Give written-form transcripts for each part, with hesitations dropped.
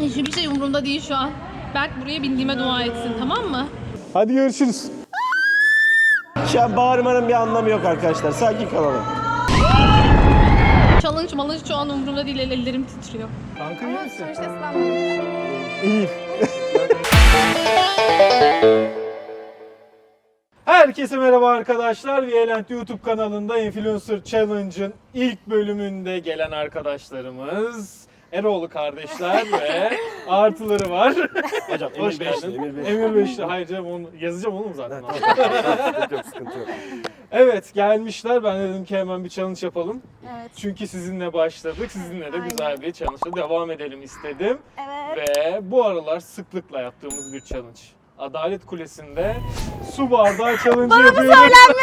Hiçbir şey umurumda değil şu an. Berk buraya bindiğime dua etsin, tamam mı? Hadi görüşürüz. Şu an bağırmanın bir anlamı yok arkadaşlar. Sakin kalalım. Challenge malınç şu an umurumda değil, ellerim titriyor. Kanka iyi misin? Sonuçta ıslanmadım. İyi. Herkese merhaba arkadaşlar. Violent YouTube kanalında Influencer Challenge'ın ilk bölümünde gelen arkadaşlarımız Eroğlu kardeşler ve artıları var. Hocam Hoş Emir Beşli, geldin. Emir Beşli. Emir Beşli. Hayır canım, onu yazacağım oğlum zaten. Sıkıntı yok, sıkıntı yok. Evet, gelmişler. Ben dedim ki hemen bir challenge yapalım. Evet. Çünkü sizinle başladık. Sizinle de Aynen. güzel bir challenge'a devam edelim istedim. Evet. Ve bu aralar sıklıkla yaptığımız bir challenge. Adalet Kulesi'nde su bardağı challenge yapıyoruz.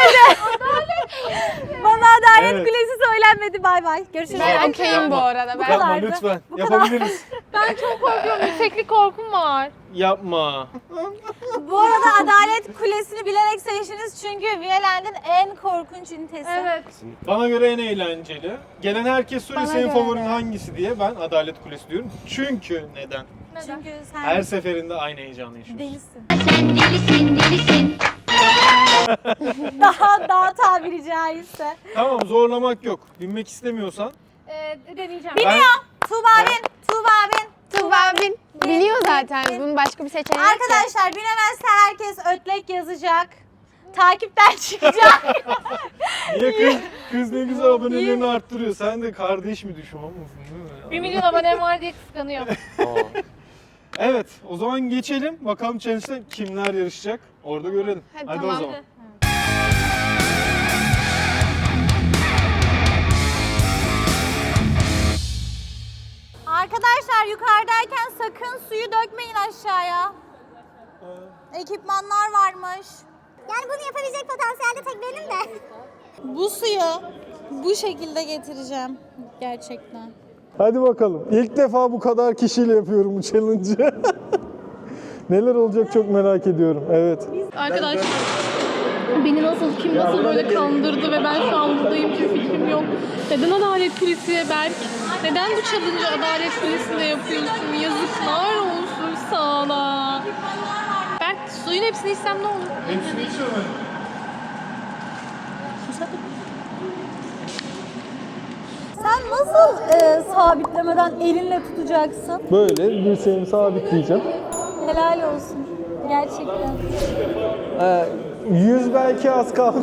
Bana Adalet Evet. Kulesi söylenmedi. Bay bay. Görüşürüz. Ben okeyim Yapma. bu arada. Yapma kadardı. lütfen. Bu Yapabiliriz. Ben çok korkuyorum, yükseklik korkum var. Yapma. Bu arada Adalet Kulesi'ni bilerek seçtiniz çünkü Violent'in en korkunç ünitesi. Evet. Bana göre en eğlenceli. Gelen herkes soruyor Bana senin göre favorin de. hangisi diye. Ben Adalet Kulesi diyorum. Çünkü neden? Çünkü sen Her seferinde aynı heyecanı yaşıyorsun. delisin. daha tabiri caizse. Tamam, zorlamak yok. Binmek istemiyorsan. Deneyeceğim. Tuğba bin. Tuğba biliyor zaten. Bunun başka bir seçeneği yok ki. Arkadaşlar binemezse herkes ötlek yazacak. Takipten çıkacak. Niye kız ne güzel abonelerini arttırıyor. Sen de kardeş mi düşmanmısın değil mi? 1 milyon abonem var diye kıskanıyor. Evet, o zaman geçelim. Bakalım challenge'da kimler yarışacak? Orada görelim. Hadi o tamam. zaman. Arkadaşlar yukarıdayken sakın suyu dökmeyin aşağıya. Ekipmanlar varmış. Yani bunu yapabilecek potansiyelde tek benim de. Bu suyu bu şekilde getireceğim gerçekten. Hadi bakalım. İlk defa bu kadar kişiyle yapıyorum bu challenge'ı. Neler olacak çok merak ediyorum. Evet. Arkadaşlar, beni kim nasıl böyle kandırdı ve ben şu an buradayım, hiçbir fikrim yok. Neden Adalet Kulesi'ye Berk? Neden bu challenge'ı Adalet Kulesi'nde yapıyorsun? Yazıklar olsun sana. Berk, suyun hepsini içsem ne olur? Hepsini içiyorum. Sen nasıl sabitlemeden elinle tutacaksın? Böyle dirseğimi sabitleyeceğim. Helal olsun. Gerçekten. 100 belki az kalmış.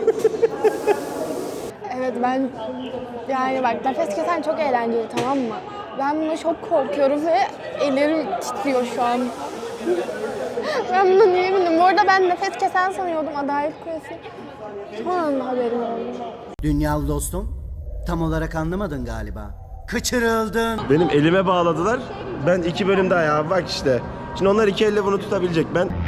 Evet ben yani bak nefes kesen çok eğlenceli, tamam mı? Ben buna çok korkuyorum ve ellerim titriyor şu an. Ben buna niye bildim? Bu arada ben nefes kesen sanıyordum Adalet Kulesi. Son anda haberim oldu. Dünyalı dostum, tam olarak anlamadın galiba. Kaçırıldın. Benim elime bağladılar. Ben 2 bölüm daha ya bak işte. Şimdi onlar 2 elle bunu tutabilecek.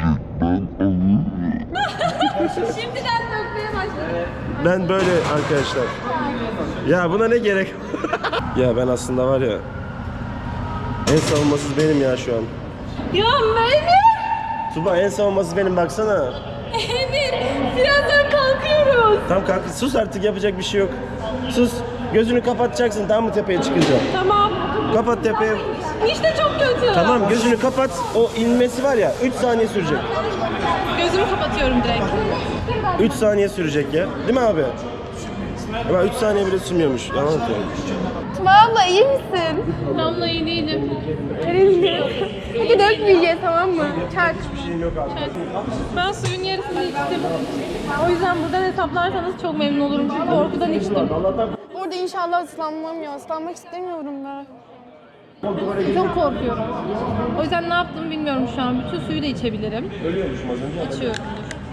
Şimdiden dökmeye başladı. Ben böyle arkadaşlar. Ya buna ne gerek? Ya ben aslında var ya. En savunmasız benim ya şu an. Ya Emir! Tuba en savunmasız benim baksana. Emir! Birazdan kalkıyoruz. Tam kalk sus artık, yapacak bir şey yok. Sus. Gözünü kapatacaksın, tamam mı, tepeye çıkınca? Tamam. Kapat tepeye. İşte çok kötü. Tamam, gözünü kapat. O inmesi var ya 3 saniye sürecek. Gözümü kapatıyorum direkt. 3 saniye sürecek ya. Değil mi abi? Ama 3 saniye bile sürmüyormuş. Yalan atıyorum. Tuğba abla iyi misin? Damla iyi değilim. Peki dökmeyeceğiz, tamam mı? Çak. Ben suyun yarısını içtim. O yüzden buradan hesaplarsanız çok memnun olurum. Çünkü korkudan içtim. Orada inşallah ıslanmam ya. Islanmak istemiyorum ben. Çok korkuyorum. O yüzden ne yaptığımı bilmiyorum şu an. Bütün suyu da içebilirim. Ölüyormuşum az önce. İçiyorum.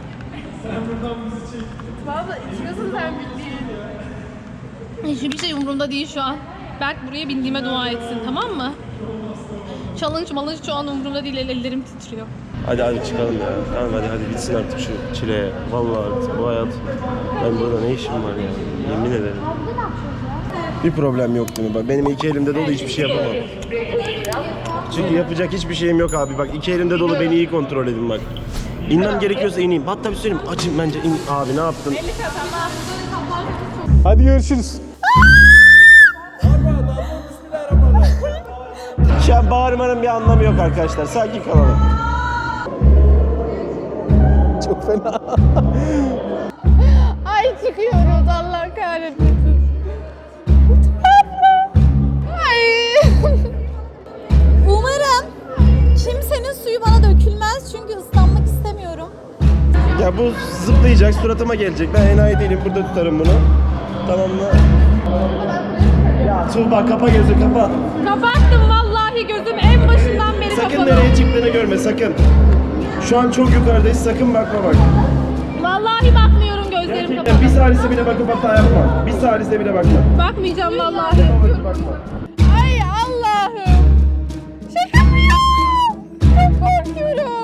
Valla içiyorsun sen bildiğin. Hiçbir şey umurumda değil şu an. Berk buraya bindiğime dua etsin, tamam mı? Challenge malınç şu an umurumda değil, ellerim titriyor. Hadi çıkalım ya. Tamam hadi bitsin artık şu çileye. Vallahi artık bu hayat. Ben burada ne işim var ya? Yemin ederim. Bir problem yok değil mi? Bak benim 2 elimde dolu, hiçbir şey yapamam. Çünkü yapacak hiçbir şeyim yok abi. Bak 2 elimde dolu, beni iyi kontrol edin bak. İnmem gerekiyorsa ineyim. Hatta bir söyleyeyim. Açın bence in. Abi ne yaptın? Hadi görüşürüz. Şu an bağırmanın bir anlamı yok arkadaşlar. Sakin kalalım. Çok fena. Ay çıkıyoruz Allah kahretmesin. Ay. Umarım kimsenin suyu bana dökülmez çünkü ıslanmak istemiyorum. Ya bu zıplayacak, suratıma gelecek. Ben enayi değilim, burada tutarım bunu. Tamam mı? Ya Tuğba kapa gözü, kapa. Kapattım vallahi, gözüm en başından beri Sakın kapalı. nereye çıktığını görme, sakın. Şu an çok yukarıdayız, sakın bakma bak. Vallahi bakmıyorum, gözlerim Gerçekten kapalı. bir salise bile bakıp hata yapma. Bir salise bile bakma. Bakmayacağım vallahi. Bakma. Ay Allah'ım. Şaka mı ya? Çok korkuyorum.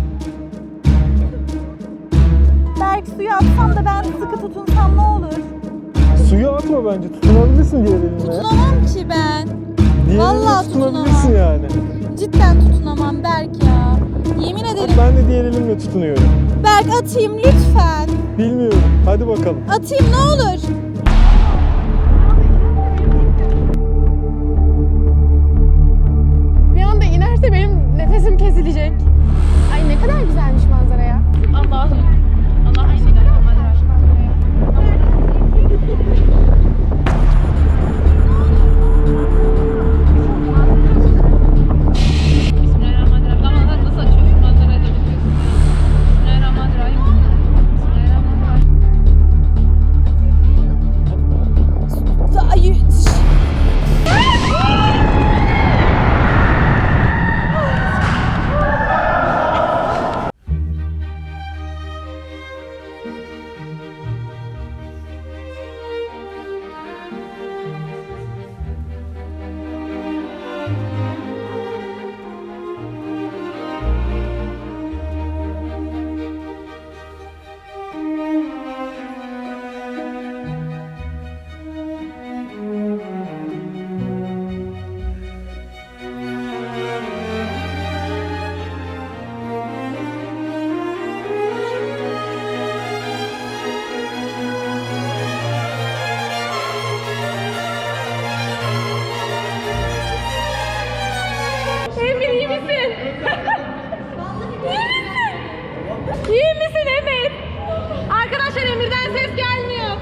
Berk suya atsam da ben sıkı tutunsam ne olur? Suyu atma bence. Tutunabilirsin diğer elinle. Tutunamam ki ben. Diğer Vallahi elinle tutunabilirsin tutunamam. yani. Cidden tutunamam Berk ya. Yemin ederim. Ben de diğer elimle tutunuyorum. Berk atayım lütfen. Bilmiyorum. Hadi bakalım. Atayım ne olur. Bir anda inerse benim nefesim kesilecek. Ay ne kadar güzelmiş manzara ya. Allah'ım. Allah'ım. Bismillahirrahmanirrahim. Damlaları nasıl açıyorsun? Manzaraya da bakıyorsun. Bismillahirrahmanirrahim. Bismillahirrahmanirrahim. Emir iyi misin? İyi misin Emir? Arkadaşlar Emir'den ses gelmiyor.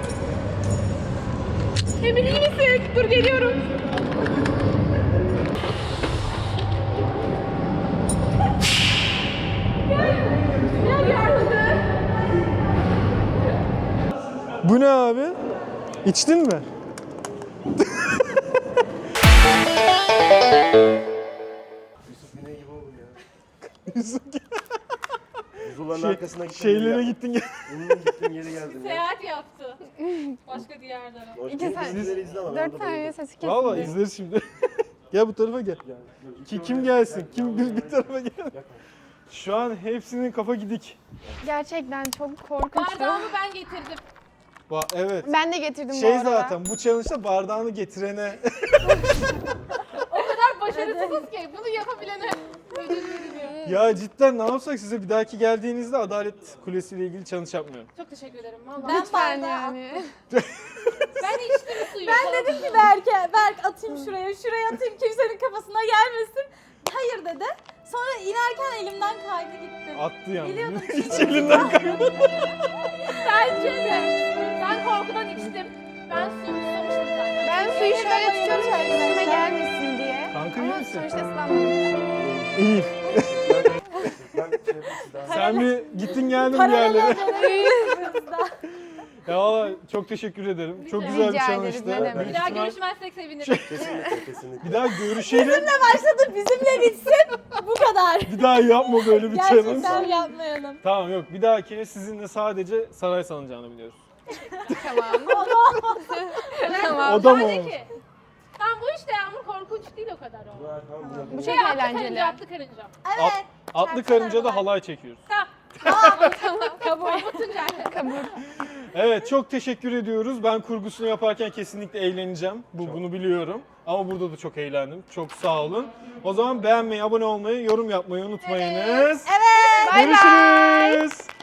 Emir iyi misin? Dur geliyorum. Gel yardım. Bu ne abi? İçtin mi? Buzuların arkasına gittim. Şeylere gittin gel. Gittim geri geldim ya. Seyahat yaptı. Başka diyarlara. İki saat- 4 saniye sesi kesildi. Valla izleriz şimdi. Gel bu tarafa gel. Kim gelsin? Kim bir tarafa gel. Şu an hepsinin kafa gidik. Gerçekten çok korkunçtu. Bardağımı ben getirdim. Evet. Ben de getirdim bu Şey arada. zaten bu challenge'da bardağını getirene O kadar başarısızız ki bunu yapabilene ödül veriliyor. ya cidden ne yapsak size bir dahaki geldiğinizde Adalet Kulesi ile ilgili challenge yapmıyorum. Çok teşekkür ederim. Vallahi. Ben Lütfen bardağı yani. Ben içtim suyu. Ben dedim ki Berk'e, Berk atayım şuraya atayım kimsenin kafasına gelmesin. Hayır dedi. Sonra inerken elimden kaydı gitti. Attı yani. Biliyordum. Hiç elinden kaymadı. Bence de. Ben korkudan içtim. Ben susamıştım zaten. Ben suyu şöyle tutuyorum üstüme gelmesin diye. Kanka iyi Ama misin? sonuçta ıslanmadım. İyi. Sen bir gittin geldin bir yerlere. Ya valla çok teşekkür ederim. Çok güzel bir Rica challenge'dı. ederiz, ne demek. Büyük Bir daha ihtimal- görüşmezsek sevinirim. Kesinlikle kesinlikle. Bir daha görüşelim. Başladı bizimle bitsin. Bu kadar. Bir daha yapma böyle bir challenge. Gerçekten yapmayalım. Tamam yok bir dahaki sizinle sadece saray salıncağını biliyoruz. Tamam. O da mı Sadece olmuş? ki. Tamam bu işte Yağmur korkunç değil o kadar o. Bu çok Atlı eğlenceli. karınca, atlı karınca. Evet. Atlı karıncada halay çekiyoruz. Korkutunca. Evet çok teşekkür ediyoruz. Ben kurgusunu yaparken kesinlikle eğleneceğim. Bunu biliyorum. Ama burada da çok eğlendim. Çok sağ olun. O zaman beğenmeyi, abone olmayı, yorum yapmayı unutmayınız. Evet. Görüşürüz.